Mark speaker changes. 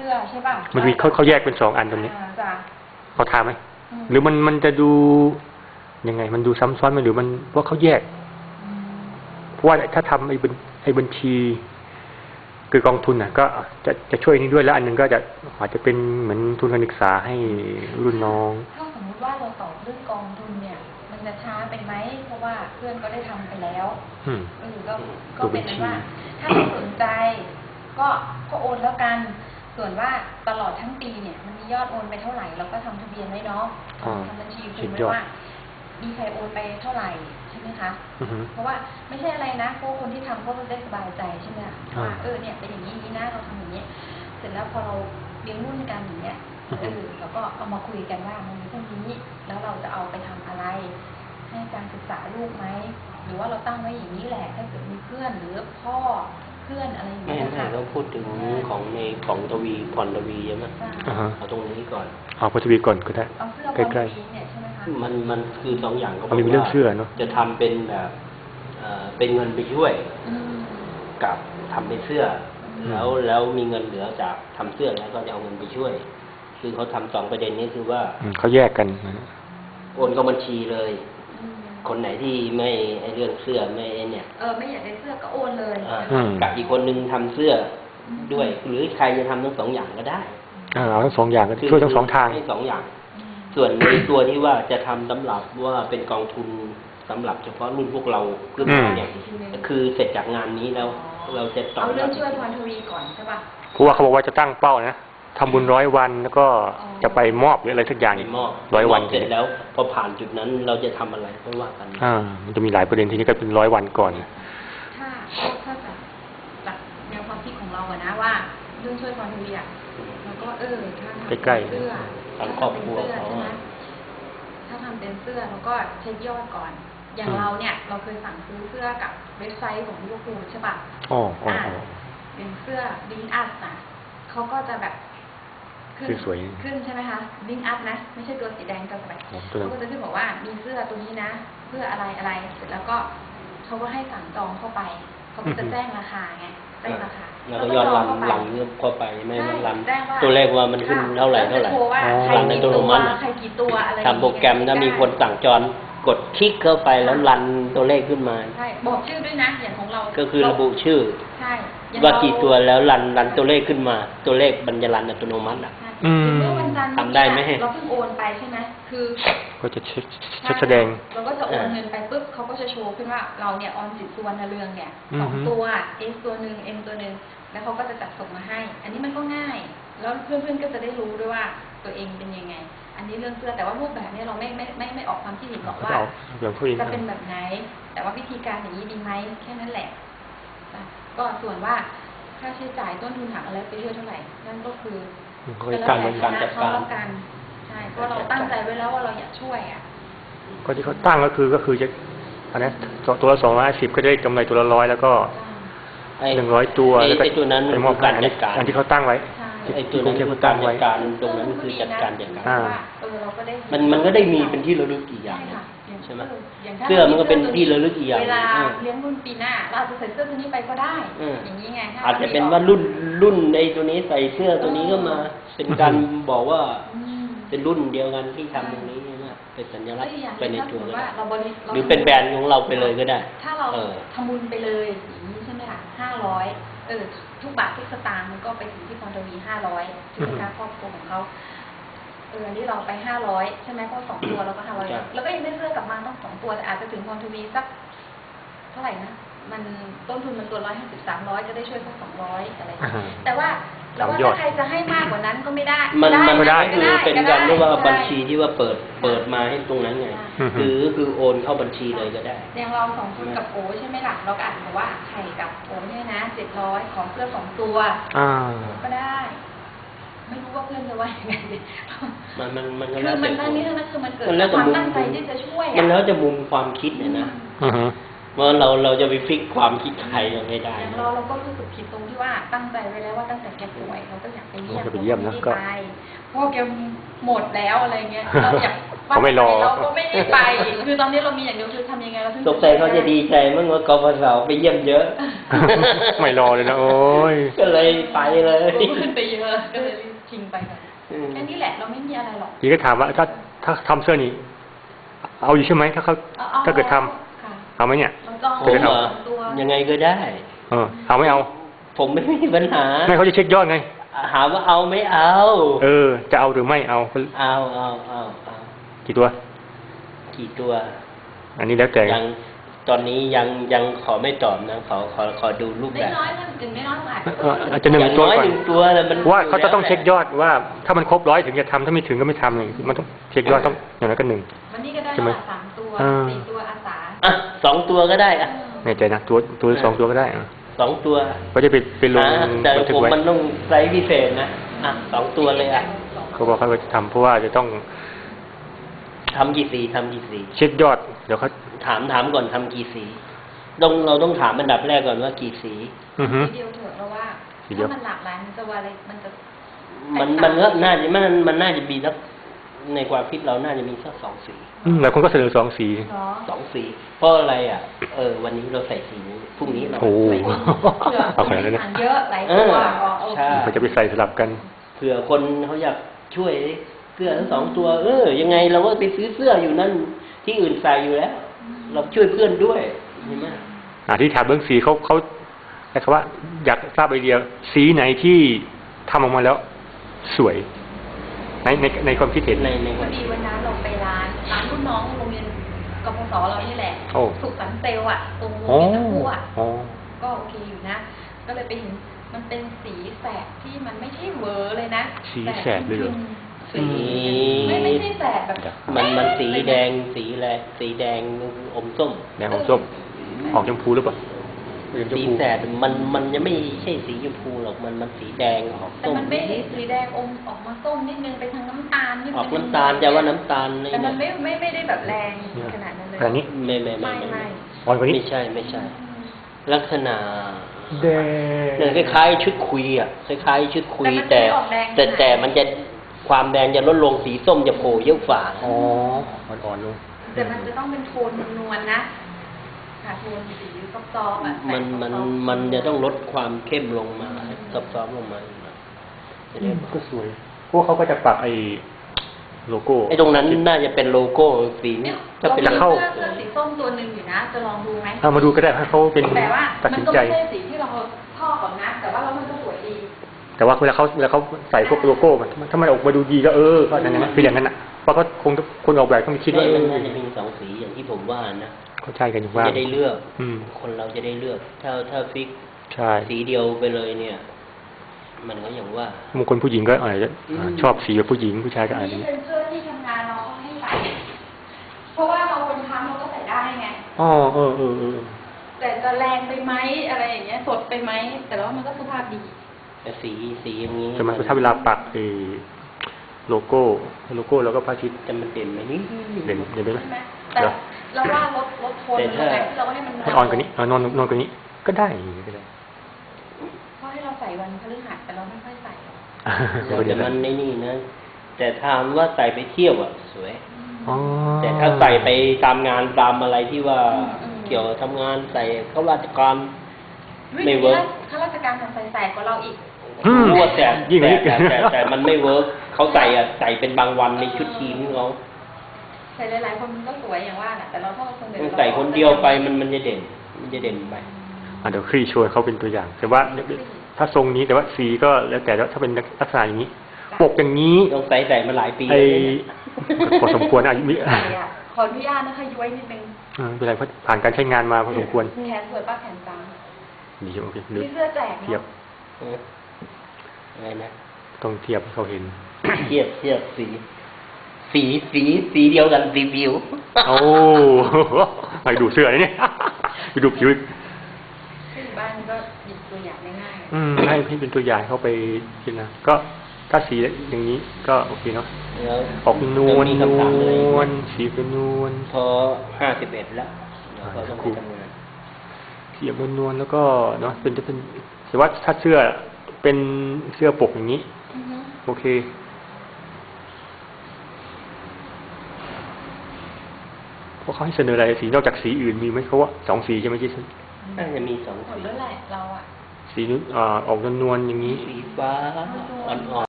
Speaker 1: สื้อใช่ป่ะ
Speaker 2: มันมีเขาแยกเป็น2 อันตรงนี้
Speaker 1: จ้ะ
Speaker 2: เขาถามไหมหรือมันจะดูยังไงมันดูซ้ำซ้อนไหมหรือมันว่าเขาแยกเพราะว่าถ้าทำไอ้บัญชีคือกองทุนน่ะก็จะช่วยนี้ด้วยแล้วอันนึงก็อาจจะเป็นเหมือนทุนการศึกษาให้รุ่นน้อง
Speaker 1: ถ้าสมมติว่าเราตอบเรื่องกองทุนเนี่ยมันจะช้าไปไหมเพราะว่าเพื่อนก็ได้ทำไปแล้วก็เป็นว่าถ้าไม่สนใจก็โอนแล้วกันส่วนว่าตลอดทั้งปีเนี่ยมันมียอดโอนไปเท่าไหร่เราก็ทำทะเบียนไว้เนาะทำบัญชีคุมไว้ว่ามีใครโอนไปเท่าไหร่ใช่ไหมคะเพราะว่าไม่ใช่อะไรนะพวกคนที่ทำก็จะได้สบายใจใช่ไหมว่าเนี่ยเป็นอย่างนี้นะเราทำอย่างนี้เสร็จแล้วพอเราเลี้ยงรุ่นกันอย่างเงี้ยเราก็เอามาคุยกันว่ามันมีเท่านี้แล้วเราจะเอาไปทำอะไรให้การศึกษาลูกไหมหรือว่าเราตั้งไว้อย่างนี้แหละถ้าเกิดมีเพื่อนหรือพ่อเพื่อนอะไรอย่างเงี้ยค่ะ
Speaker 3: เราพูดถึงของทวีพรทวีใช่ไหมเอาตรงนี้ก่อน
Speaker 2: เอาพรทวีก่อนก็ได้
Speaker 1: ใกล้ๆ
Speaker 3: มันคือ2 อย่างก็
Speaker 2: มันมีเรื่องเชื่อเนาะ
Speaker 3: จะทำเป็นแบบเป็นเงินไปช่วยกับทำเป็นเสื้อแล้วมีเงินเหลือจากทำเสื้อแล้วก็จะเอาเงินไปช่วยคือเขาทำ2 ประเด็นนี้คือว่า
Speaker 2: เขาแยกกัน
Speaker 3: โอนเข้าบัญชีเลยคนไหนที่ไม่ไอเรื่องเสื้อไม่เนี่ย
Speaker 1: ไม่อยากได้เสื้อก็โอนเลย
Speaker 3: กับอีกคนนึงทำเสื้อด้วยหรือใครจะทำทั้ง2 อย่างก็ได้
Speaker 2: เอาทั้ง2 อย่างก็ช่วยทั้ง2 ทาง
Speaker 3: ให้2 อย่างส่วนในตัวที่ว่าจะทำสำหรับว่าเป็นกองทุนสำหรับเฉพาะรุ่นพวกเรารุ่นเนี่ยคือเสร็จจากงานนี้แล้วเราจะ
Speaker 1: เอาเรื่องช่วยพรทวีก่อนใช่ป่ะ
Speaker 2: เพราะว่าเขาบอกว่าจะตั้งเป้านะทำบุญ100 วันแล้วก็จะไปมอบหรืออะไรสักอย่าง100 วัน
Speaker 3: เสร็จแล้วพอผ่านจุดนั้นเราจะทำอะไรไม่ว่ากัน
Speaker 2: มันจะมีหลายประเด็นทีนี้ก็เป็น100 วันก่อน
Speaker 1: ถ้าจากแนวความคิดของเราอะนะว่าเรื่องช่วยพรทวีอะแล้วก็ถ้า
Speaker 2: ใกล้ๆ
Speaker 1: เสื้อ
Speaker 3: ทางครอบครัวเขา
Speaker 1: ถ้าทำเป็นเสื้อแล้วก็เช็คยอดก่อนอย่างเราเนี่ยเราเคยสั่งซื้อเสื้อกับเว็บไซต์ของลิเวอร์พูลใช่ป่ะเป็นเสื้อลิงอัพนะเขาก็จะแบบขึ้นใช่ไหมคะลิงอัพนะไม่ใช่ตัวสีแดงกับแบบเขาก็จะขึ้นบอกว่ามีเสื้อตัวนี้นะเพื่ออะไรเสร็จแล้วก็เขาก็ให้สั่งจองเข้าไปเขาก็จะแจ้งราคาไงแจ้งราคา
Speaker 3: แล้วก็ยอดรันเข้าไปไม่มันรันตัวเลขว่ามันขึ้นเท่าไหร่รันในตัวมัน
Speaker 1: ใครกี่ตัวอะไร
Speaker 3: ทำโปรแกรมถ้ามีคนสั่งจองกดคลิกเข้าไปแล้วรันตัวเลขขึ้นมา
Speaker 1: ใช่บอกชื่อด้วยนะอย่างของเรา
Speaker 3: ก็คือระบุชื่อ
Speaker 1: ใช่
Speaker 3: ว่ากี่ตัวแล้วรันตัวเลขขึ้นมาตัวเลขบรรยารันอัตโนมัติ
Speaker 1: เมื่อวันจันทร์
Speaker 3: ทำได้ไหม
Speaker 1: เราเพิ่งโอนไปใช่ไหมคือ
Speaker 2: ก็จะแสดง
Speaker 1: เราก็จะโอนเงินไปปุ๊บเขาก็จะโชว์ขึ้นว่าเราเนี่ยออมสินสุวรรณเรืองเนี่ย2 ตัว S ตัวนึง M ตัวนึงแล้วเขาก็จะจัดส่งมาให้อันนี้มันก็ง่ายแล้วเพื่อนๆก็จะได้รู้ด้วยว่าตัวเองเป็นยังไงอันนี้เรื่องเสื้อแต่ว่ารูปแบบนี้เราไม่ออกความคิดเห็นหรอกว่าจะเป็นแบบไหนแต่ว่าวิธีการอย่างนี้ดีไหมแค่นั้นแหละก็ส่วนว่าค่าใช้จ่ายต้นทุนหักอะไรไปเยอะเท่าไหร่นั่นก็คือ
Speaker 3: การจัด
Speaker 1: การใช่เพราะเราตั้งใจไว้แล้วว่าเราอยากช่วย
Speaker 2: ก็ที่เขาตั้งก็คือจะอันนี้ตัวละ250ก็ได้กำไรตัวละ100แล้วก็100 ตัวแล้วก็
Speaker 3: ตัวนั้น
Speaker 2: มอบการอันที่เขาตั้งไว้
Speaker 3: ไอ้ตัวนั้นคือการจัดการตรงนั้นคือจัดการมันก็ได้มีเป็นที่ระลึกอีกอย่างใช่ไหมเสื้อมันก็เป็นที่ระลึกอีกอย่าง
Speaker 1: เวลาเลี้ยงรุ่นปีหน้าเราอาจจะใส่เสื้อตัวนี้ไปก็ได้อย่างนี้ไง
Speaker 3: อาจจะเป็นว่ารุ่นไอ้ตัวนี้ใส่เสื้อตัวนี้ก็มาเป็นการบอกว่าเป็นรุ่นเดียวกันที่ทำตรงนี้นะเป็นสัญลักษณ์ไปในตัวก็ได้หรือเป็นแบรนด์ของเราไปเลยก็ได้
Speaker 1: ถ้าเราทำบุญไปเลยอย่างนี้ใช่ไหมล่ะ500ทุกบาททุกสตางค์มันก็ไปถึงที่พรทวี500ที่เป็นการครอบครัวของเขาอันนี้เราไป500ใช่ไหมเพราะ2 ตัวเราก็500แล้วก็ยังได้เสื้อกลับมาต้อง2 ตัวแต่อาจจะถึงพรทวีสักเท่าไหร่นะมันต้นทุนมันตัว150-300จะได้ช่วยสัก200อะไรแต่ว่าแล้วว่าถ้าใครจะให้มากกว่านั้นก็ไม่ได้
Speaker 3: มันไม่ได้คือเป็นการเรียกว่าบัญชีที่ว่าเปิดมาให้ตรงนั้นไงคือโอนเข้าบัญชีเลยก็ได้
Speaker 1: อย่างเรา2 คนกับโอใช่ไหมล่ะเราก็อาจจะว่าไข่กับโอเนี่ยนะ700ของเสื้อ2 ตัวก็ได้ไม่รู้ว่าเพื่อนจะว่ายังไง
Speaker 3: มันก็
Speaker 1: แล้วแต่มันนี่นั่นคือมันเกิดความตั้งใจที่จะช่วย
Speaker 3: มันแล้วจะมุมความคิดเนี่ยนะเมื่อเราจะไปฟิกความคิดใครยังไม่ได้
Speaker 1: เราก็รู้สึกผิดตรงที่ว่าตั้งใจไว้แล้วว่าตั้งแต่แกป่วยเราก็อยากไปเยี่ยมนะก็เพราะแกหมดแล้วอะไรเงี้ยเราอยาก
Speaker 2: เขาไม่รอ
Speaker 1: เราก็ไม่ได้ไป คือตอนนี้เรามีอย่างเดียวคือทำยังไงเราถึง
Speaker 3: สงสัยเขาจะดีใจเมื่อว่ากปสไปเยี่ยมเยอะ
Speaker 2: ไม่รอเลยนะโอ้ย
Speaker 3: ก็เลยไปเลย
Speaker 1: ขึ้นไปเยอะก็เลยชิงไปกันแค่นี้แหละเราไม่มีอะไรหรอก
Speaker 2: พี่ก็ถามว่าถ้าทำเสื้อนี้เอาอยู่ใช่ไหมถ้าเขาถ้าเกิดทำ
Speaker 1: ค่ะ
Speaker 2: เอาไหมเนี่ย
Speaker 1: เราจอง
Speaker 3: ผมเหรอ
Speaker 1: ตัว
Speaker 3: ยังไงก็ได้
Speaker 2: เอาไม่เอา
Speaker 3: ผมไม่มีปัญหา
Speaker 2: ไม่เขาจะเช็คยอดไง
Speaker 3: หาว่าเอาไม่เอา
Speaker 2: จะเอาหรือไม่เอา
Speaker 3: เอา
Speaker 2: กี่ตัว
Speaker 3: กี่ตัว
Speaker 2: อันนี้แล้วแต่
Speaker 3: ยังตอนนี้ยังขอไม่ตอบนะขอดูรูป
Speaker 1: ไม่
Speaker 3: แบบ
Speaker 1: น้อยถ้าถึงไม่น้อยอาจ
Speaker 2: อาจจะหนึ่ง
Speaker 3: อย่าง
Speaker 2: ตัว
Speaker 3: น้อย
Speaker 2: ก่อน
Speaker 3: หนึ่งตัวแล้วมัน
Speaker 2: ว่าเขาจะต้องเช็คยอดว่า ถ้ามันครบ100ถึงจะทำถ้าไม่ถึงก็ไม่ทำเลยมันต้องเช็คยอดต้องอย่างน้อยก็1
Speaker 1: วันนี้ก็ได้
Speaker 2: ใช่ไหม
Speaker 1: ละ3 ตัว 4 ตัวอาสา
Speaker 3: อ่ะ2 ตัวก็ได้อ่ะ
Speaker 2: แน่ใจนะตัว2 ตัวก็ได้
Speaker 3: 2 ตัว
Speaker 2: เขาจะไปลง
Speaker 3: แต่
Speaker 2: บันทึก
Speaker 3: ผม
Speaker 2: ไว้
Speaker 3: มันต้องไซส์พิเศษนะ2 ตัวเลยอ่ะ
Speaker 2: เขาบอกเขาจะทำเพราะว่าจะต้อง
Speaker 3: ทำกี่สี
Speaker 2: เช็คยอดเดี๋ยวเขา
Speaker 3: ถามก่อนทำกี่สีเราต้องถามอันดับแรกก่อนว่ากี่สี
Speaker 2: อือฮึ
Speaker 1: ทีเดียวเถอะเพราะว่า
Speaker 2: ทีเดียว
Speaker 1: ถ้ามันหลากหลายมันจะว่าอะไรมันจะ
Speaker 3: มันก็น่าจะมันน่าจะมีสักในความคิดเราน่าจะมีสัก2 สี
Speaker 2: หลายคนก็เสนอ2 สี
Speaker 1: เนาะ
Speaker 3: 2 สีเพราะอะไรอ่ะวันนี้เราใส่สีนี้พรุ่งนี้เรา
Speaker 2: โอ้
Speaker 3: ใส่สีนี้
Speaker 2: เอาขนาดนั้นเลย
Speaker 1: ทานเยอะหลายตัวโอเค
Speaker 3: ใช่
Speaker 2: เขาจะไปใส่สลับกัน
Speaker 3: เผื่อคนเขาอยากช่วยเสื้อทั้ง2 ตัวยังไงเราก็ไปซื้อเสื้ออยู่นั่นที่อื่นใส่อยู่แล้ว เราช่วยเพื่อนด้วยใช่ไหม
Speaker 2: ที่ถามเรื่องสีเขาใช้คำว่าอยากทราบไอเดียสีไหนที่ทำออกมาแล้วสวยในความคิดเห็น
Speaker 3: ใน
Speaker 1: พอดีวันนั้นเราไปร้านรุ่นน้องโรงเรียนกพศเรานี่แหละ
Speaker 2: โอ้
Speaker 1: สุขสันต์เซลล์อ่ะตรงโรง
Speaker 2: โอ้
Speaker 1: เรียนน้ำพุอ่ะ
Speaker 2: โอ้
Speaker 1: ก็โอเคอยู่นะ ก็เลยไปเห็นมันเป็นสีแสดที่มันไม่ใช่เวอร์เลยนะ
Speaker 2: สีแสดเลยเหรอ
Speaker 3: สี
Speaker 1: ไม่ใช่แสดแบบ
Speaker 3: มันสีแดงสีอะไรสีแดงอมส้ม
Speaker 2: แดงอมส้มออกชมพูหรือเปล่าเป็นชม
Speaker 3: สี
Speaker 2: พู
Speaker 3: แสดมันยังไม่ใช่สีชมพูหรอกมันสีแดงออก
Speaker 1: แต่
Speaker 3: ส้ม
Speaker 1: มันไม่สีแดงอมออกมาส้มนิดนึงไปทางน้ำตาลนิดนึง
Speaker 3: ออกน้ำตาลจะว่าน้ำตาล
Speaker 1: แต่มันไม่ได้แบบแรงขนาดนั้นเลย
Speaker 2: ขนาดนี้
Speaker 3: ไม่
Speaker 2: อ่อนกว่านี้
Speaker 3: ไม่ใช่ ลักษณะ
Speaker 2: แดง
Speaker 3: เนี่ยคล้ายๆชุดคุยอ่ะคล้ายๆชุดคุย
Speaker 1: แต่
Speaker 3: แต่มันจะความแดงจะลดลงสีส้มจะโผล่เยอะฝ่า
Speaker 2: อ๋ออ่อนๆลง
Speaker 1: แต่มันจะต้องเป็นโทนนวลๆนะค่ะโทนสีซอฟต์ๆอ่ะ
Speaker 3: มันจะต้องลดความเข้มลงมาซอฟๆลงมา
Speaker 2: ก็สวยพวกเขาก็จะปักไอ้โลโก้
Speaker 3: ไอ้ตรงนั้นน่าจะเป็นโลโก้สีนี้
Speaker 2: จะเป็น
Speaker 1: เรามี
Speaker 2: เข้า
Speaker 1: เสื้อสีส้มตัวหนึ่งอยู่นะ จะลองดูไหม
Speaker 2: เอามาดูก็ได้ให้เขาเป็น
Speaker 1: แต่ว่า
Speaker 2: ตัด
Speaker 1: มัน
Speaker 2: สิน
Speaker 1: ก็
Speaker 2: ใจ
Speaker 1: ไม่ใช่สีที่เราชอบหรอกนะ แต่ว่าแล้วมันก็สวยดี
Speaker 2: แต่ว่าเวลาเขาใส่พวกโลโก้มันถ้ามันออกมาดูดีก็ก็นั่นนะคืออย่างนั้นอ่ะเพราะเขาคงคนออกแบบต้องคิดว่า
Speaker 3: มันน่าจะมี2 สีอย่างที่ผมว่านะ
Speaker 2: เขาใช่กันอยู่ว่า
Speaker 3: จะได้เลือก
Speaker 2: อืม
Speaker 3: คนเราจะได้เลือก ถ้าฟิก
Speaker 2: ใช่
Speaker 3: สีเดียวไปเลยเนี่ย มันก็อย่างว่า
Speaker 2: บางคนผู้หญิงก็อาจจะชอบสีแบบผู้หญิงผู้ชายก็อาจจะ
Speaker 1: นี่เป็นเสื้อที่ทำงานเราก็ให้ใส่ เพราะว่าเราคนทำเราก็ใส่ได้ไง
Speaker 2: อ๋อ
Speaker 1: แต่จะแรงไปไหมอะไรอย่างเงี้ย สดไปไหม แต่ว่ามันก็สุภาพดี
Speaker 3: แต่สีอย่างนี้
Speaker 2: แต่มันถ้าเวลาปักโลโก้แล้วก็พระอาทิตย์
Speaker 3: จะมันเด่นไหมนี่
Speaker 2: เด่นไหม
Speaker 1: ใช่ไหมแต่เราว่าลดโทนมันลงไปเราก็ให้มัน
Speaker 2: ให้อ่อนกว่านี้นอนกว่านี้ก็ได้ก็ได้
Speaker 1: เพราะให้เราใส่วันพฤหัสแต่เราไม่ค่อยใส่หรอก
Speaker 3: แต่มันในนี่นะ แต่ถามว่าใส่ไปเที่ยวอ่ะสวย
Speaker 2: อ๋อ
Speaker 3: แต่ถ้าใส่ไปตามงานตามอะไรที่ว่าเกี่ยวทำงานใส่เข้าราชการไม่เวิร์ก
Speaker 1: ข้าราชการทำใส่กว่าเราอีก
Speaker 3: รู้ว่าแต่
Speaker 2: ยิ่งกว่านี้
Speaker 3: แต่มันไม่เวิร์กเขาใส่เป็นบางวันในชุดทีมเขา
Speaker 1: ใส่หลายๆคนมันก็สวยอย่างว่าแหละแต่เราถ้าเราคนเดียว
Speaker 3: ใส่คนเดียวไปมันจะเด่นไป
Speaker 2: เดี๋ยวคลี่โชว์เขาเป็นตัวอย่าง แต่ว่าถ้าทรงนี้แต่ว่าสีก็แล้วแต่ถ้าเป็นลักษณะอย่างนี้ ปกอย่างนี้
Speaker 3: ต้องใส่มาหลายปี
Speaker 2: พอสมควรอายุมิ
Speaker 1: ขออนุญาตนะคะย้วยนิดนึง
Speaker 2: เป็นไรเพราะผ่านการใช้งานมาพอสมควร
Speaker 1: แขนสวยป้าแขนจาง
Speaker 2: ดีโอเค
Speaker 1: มีเสื้อแจก
Speaker 2: เทียบ
Speaker 1: เนาะ
Speaker 3: อะไรนะ
Speaker 2: ต้องเทียบให้เขาเห็น
Speaker 3: เทียบสีเดียวกันสีผิว
Speaker 2: โอ้ไปดูเสื้อเลยเนี่ยไปดูผิว
Speaker 1: ที่อยู่บ้านก็หยิบตัวอย่างง่าย
Speaker 2: ให้เป็นตัวอย่างเข้าไปคิดนะก็ถ้าสีอย่างนี้ก็โอเคเนาะ
Speaker 3: แล้ว
Speaker 2: ออกนวล
Speaker 3: มีคำถามอะไร
Speaker 2: สีเป็นนวล
Speaker 3: พอ51แล้วเราก็ต้องไปทำงาน
Speaker 2: เสียบนวลแล้วก็เนาะจะเป็นแต่ว่าถ้าเสื้อเป็นเสื้อปกอย่างนี้
Speaker 1: ๆ
Speaker 2: โอเคเพราะเขาให้เสนออะไรสีนอกจากสีอื่นมีไหมเขาว่า2 สีใช่ไหมที่
Speaker 3: น่าจะมี2
Speaker 1: หม
Speaker 3: สี
Speaker 1: ดแล้วแหละเราอะ
Speaker 2: สีออกนวลๆอย่างนี้
Speaker 3: สีฟ้าอ่อนๆ